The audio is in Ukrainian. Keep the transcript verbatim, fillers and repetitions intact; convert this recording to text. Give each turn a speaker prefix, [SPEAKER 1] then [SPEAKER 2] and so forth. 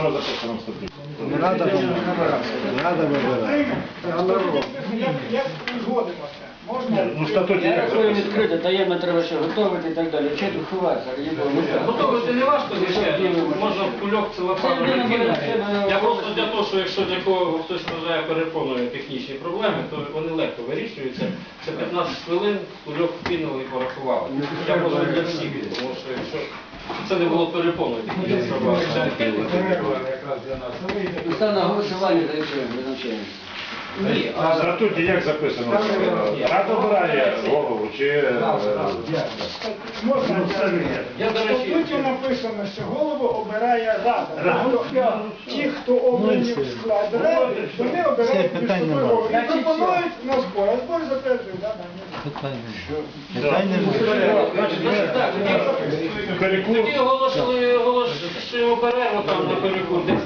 [SPEAKER 1] що записано в статуті?
[SPEAKER 2] Не треба не треба вибирати.
[SPEAKER 3] Як згодимося? Можна?
[SPEAKER 1] Ну, в статуті
[SPEAKER 4] Я
[SPEAKER 1] як
[SPEAKER 4] рахую
[SPEAKER 1] записано?
[SPEAKER 4] відкрито, таємно треба ще готувати і так далі. Вчити ховатися, раді Бога.
[SPEAKER 5] Готовити не важко, звичайно. Можна в кульок целофану
[SPEAKER 4] Це не
[SPEAKER 5] кинути.
[SPEAKER 4] буде,
[SPEAKER 5] Я
[SPEAKER 4] це
[SPEAKER 5] просто
[SPEAKER 4] буде.
[SPEAKER 5] для того, що якщо для кого хтось вважає перепоною технічні проблеми, то вони легко вирішуються. Це п'ятнадцять хвилин, кульок кинули і порахували. Я можу для всіх, тому що якщо це не було перепоною технічної проблеми.
[SPEAKER 4] Став на голосування за рішення призначення.
[SPEAKER 5] Ні,
[SPEAKER 1] А в статуті як записано? Рада обирає голову чи... е,
[SPEAKER 3] Можна?
[SPEAKER 5] Я, до
[SPEAKER 3] В
[SPEAKER 5] речі,
[SPEAKER 3] статуті написано, що голову обирає рада. Тобто ті, хто обрані в склад ради, вони обирають між собою голову. І пропонують на збор. А збор затверджує, так?
[SPEAKER 2] Питання немає.
[SPEAKER 5] Значить, так, тоді-
[SPEAKER 1] Перекур.
[SPEAKER 5] Тоді оголошили, оголошуємо перерву там на перекур.